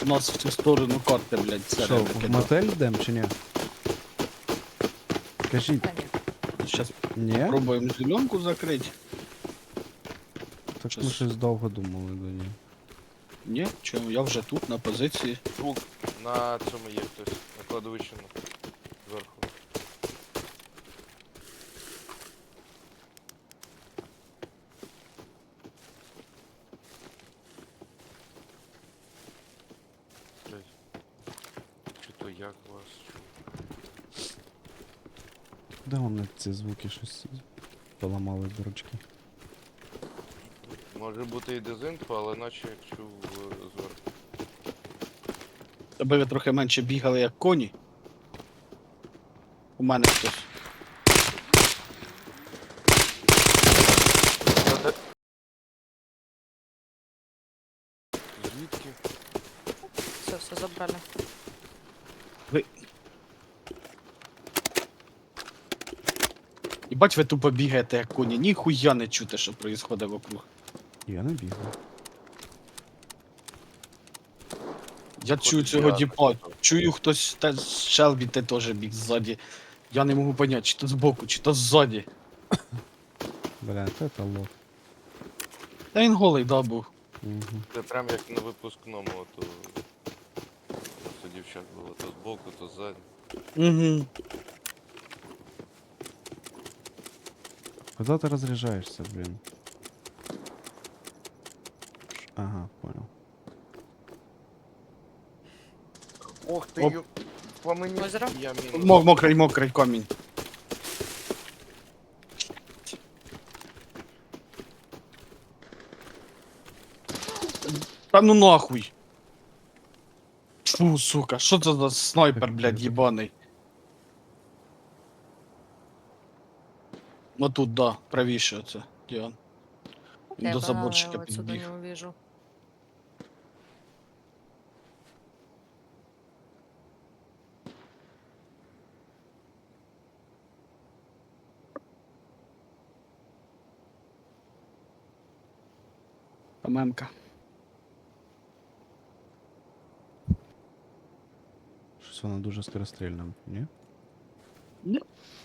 У нас в цю сторону карти, блядь, Що, серед в мотель йдемо чи ні? Кажіть, Та ні. Зараз ні? пробуємо зеленку закрити. Так щас. ми щось довго думали до ні. Ні, чому, я вже тут, на позиції. Звук на цьому є хтось. На кладовищі зверху. Блядь. Чи то як вас чув? Де вони ці звуки щось поламали дурочки? Може бути і дезінфо, але наче як чув зверху. Аби ви трохи менше бігали, як коні. У мене хтось. Звідки? Все забрали. І бач, ви тупо бігаєте, як коні. Ніхуя не чути, що відбувається вокруг. Я не бігав. Я чую цього діпа. Чую хтось, та Шелбі ти теж біг ззаді. Я не можу поняти, чи то збоку, чи то ззаді. Бля, це лох. Та він голий, да, був. Угу. Це прям як на випускному, то дівчат було то збоку, то ззаді. Угу. Куда ты разряжаешься, блин? Ага, понял. Ох ти, Оп. по мені Озеро? я мінус. Мокрий камінь. Та ну нахуй. Фу, сука, що це за снайпер, блядь, єбаний? Ну тут, да, правіше оце, Діан. Він Я до поняла, заборчика я отсюда підбіг. не увижу. Мемка. Щось вона дуже скорострільна, ні? Ні.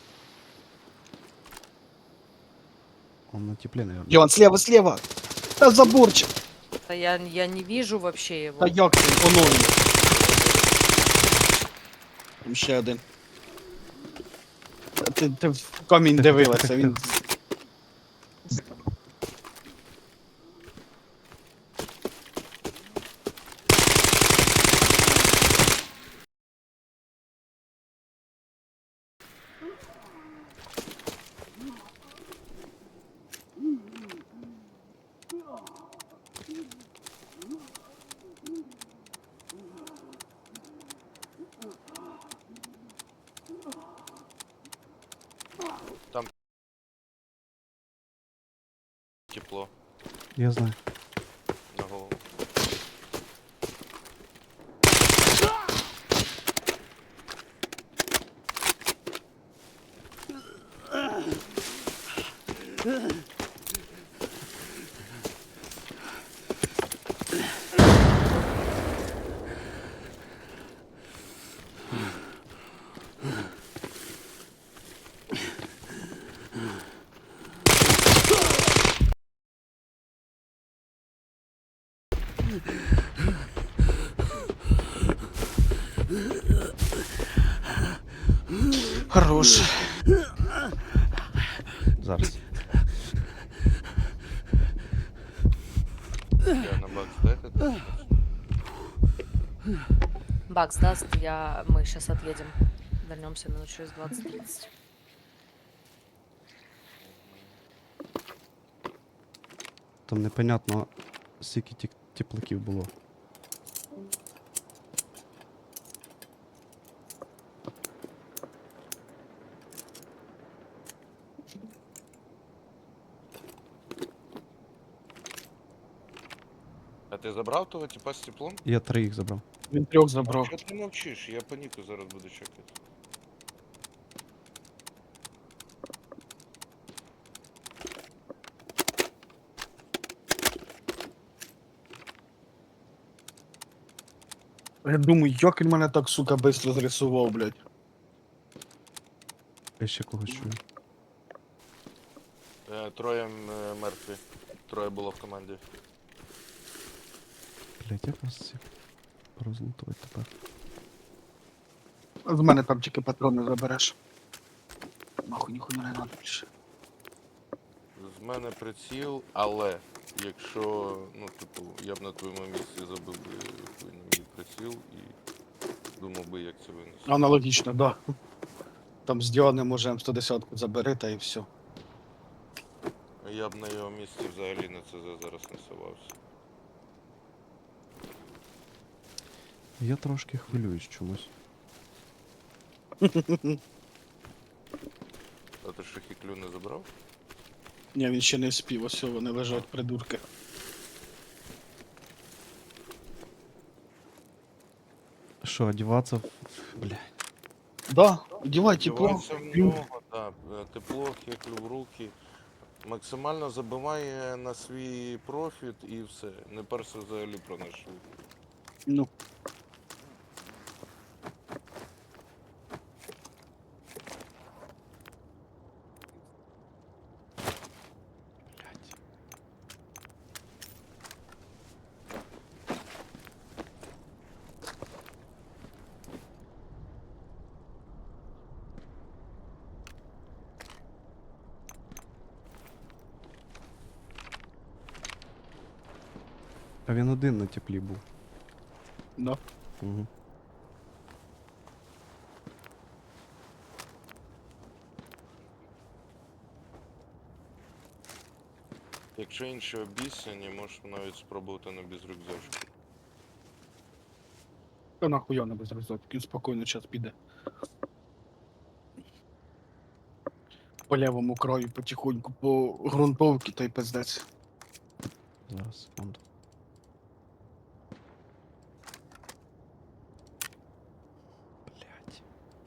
Он на тепле, наверное. Діан, слева! Та заборчик! Да я не вижу вообще его. Та як це? Воно він. Там ще один. Та ти в камінь дивилася, він... Тепло Я знаю. на голову. Хорош. Зараз. Я на бак здати. Бакс даст, мы сейчас отъедем. Вернемся минут через 20-30. Там непонятно, скільки теплаків було. А ти забрав того типа з теплом? Я 3 їх забрав. Він трьох забрав. Чого ти мовчиш? Я по ніку зараз буду чекати. Я думаю, як він мене так, сука, быстро зрисував, блядь. Я ще когось чую. Троє мертві. Троє було в команді. Блять, як вас всіх розлутувати тепер? З мене там тільки патрони забереш. Нахуй, ніхуя не надо більше. З мене приціл, але якщо, ну, типу, я б на твоєму місці забив би хуй на мій приціл і думав би, як це винести. Аналогічно, да. Там з Діани можемо 110-ку забери, та і все. Я б на його місці взагалі на ЦЗ зараз не совався. Я трошки хвилююсь чомусь. А ти що хіклю не забрав? Ні, він ще не спів, ось вони лежать, придурки. Що, одіватися? Блядь. Да, одівай тепло. Дівайся в нього, так. Тепло, хіклю в руки. Максимально забиває на свій профіт і все. Не перся взагалі про наш шлюб. Ну. Блядь. А він один на теплі був. Да. Угу. Якщо інші обіцяні, можеш навіть спробувати на безрюкзачку. Та нахуя не без розок, він спокійно час піде. По лівому краю потихоньку, по ґрунтовці, та й пиздець. Зараз, секунду. Блядь.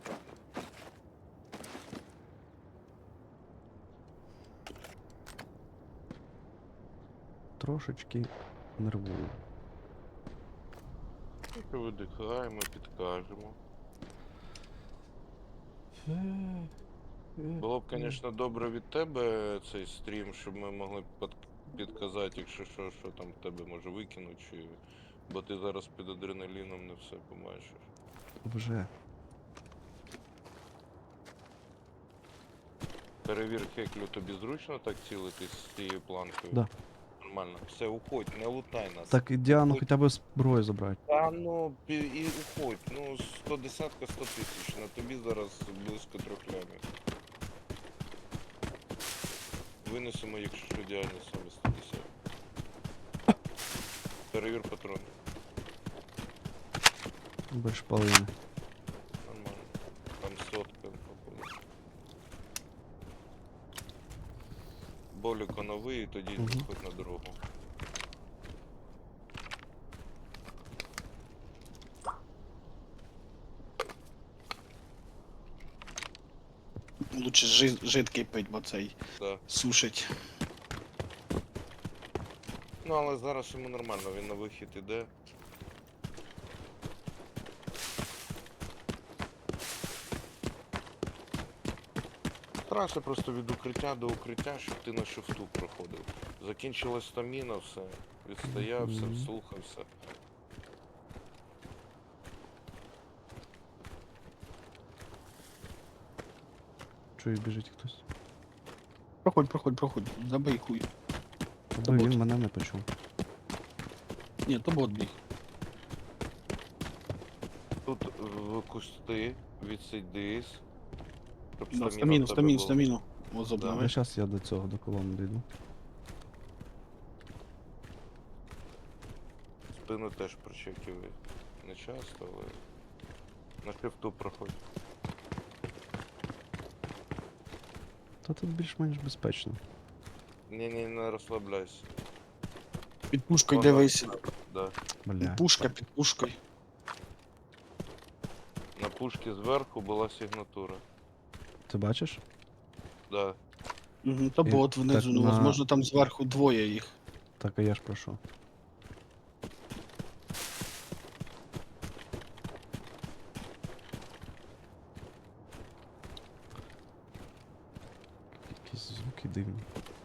Трошечки нервую. Поки видихаємо, підкажемо. Було б, звісно, добре від тебе цей стрім, щоб ми могли підказати, якщо що там в тебе може викинуть, чи... бо ти зараз під адреналіном не все побачиш. Вже. Перевір, Хеклю, тобі зручно так цілитись з цією планкою? Да. Нормально. Все, уходь, не лутай нас. Так і Діану хоча б зброю забрати. Та ну, і уходь. Ну, 110-ка, 100 тисяч. На тобі зараз близько 3 лямів. Винесемо, якщо що, Діані саме 110. Перевір патрони. Без шпалини. Нормально. Там сотка, походу. Боліко новий, і тоді Мгм. виходь на дорогу. Лучше жидкий пить, бо цей Да. сушить. Ну, але зараз йому нормально, він на вихід іде. Старайся просто від укриття до укриття, щоб ти на шифту проходив. Закінчилась стаміна, все. Відстоявся, Мгм. вслухався. Чую, біжить хтось. Проходь, забий хуй. Тобто він мене не почув. Ні, то бот біг. Тут в кусти відсидись. Щоб Да, стаміна в тебе була. стаміну. О, Але забрали. зараз я до цього, до колони дійду. Спину теж прочекивай. Не часто, але на шифту проходь. Та тут більш-менш безпечно. Ні, не розслабляйся. Під пушкою Ага. дивись. Да. Бля. Пушка під пушкою. На пушці зверху була сигнатура. Ти бачиш? Да. Угу, то І бот внизу, так ну, на- возможно, там зверху двоє їх. Так, а я ж прошу. Якісь звуки дивні.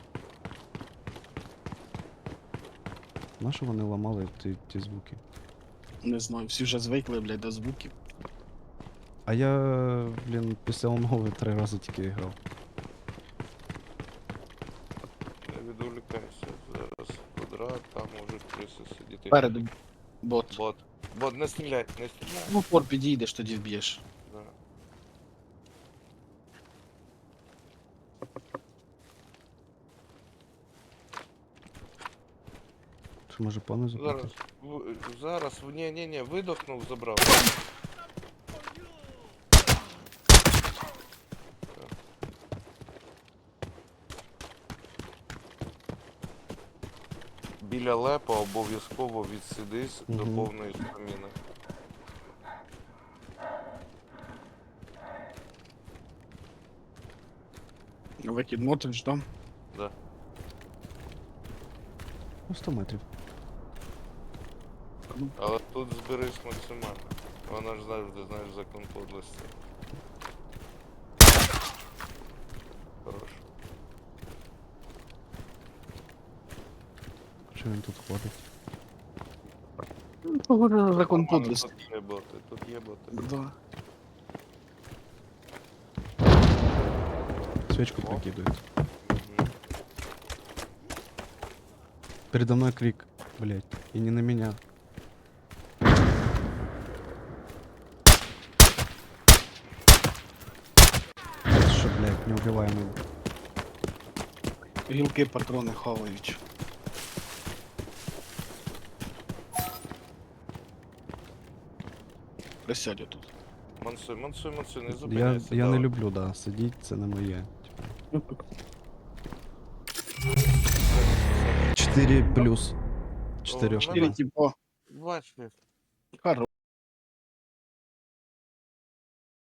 Нащо вони ламали ті звуки? Не знаю, всі вже звикли, блядь, до звуків. А я, блін, після умови 3 рази тільки грав. Не відволікайся. Зараз квадрат, там можуть криси сидіти. Переду бот. Бот. Бот, не стріляй, не стріляй. Ну, пор підійдеш, тоді вб'єш. Да. Що може пану Зараз, запитати? зараз, ні, видохнув, забрав. Біля лепа обов'язково відсидись до Мгм. повної стаміни. Викид мотиш, да? Да. Ну, 100 метрів. Але тут зберись максимально. Вона ж завжди, знаєш, закон подлості. Хорош. Що він тут ходить? Поговорили закон Нормально, подлості. Тут є боти, тут є боти. Да. Свечку О. прикидывает. Мгм. Передо мной крик, блять, и не на меня. Что, блять, неубиваемый. Гілки патрони хавають. Присядь отут. Мансуй, не Я, зупиняйся. я не давай. люблю, да, сидіть, це не моє. 4 плюс. 4. О, Чотири, типу, Бачиш. хорош.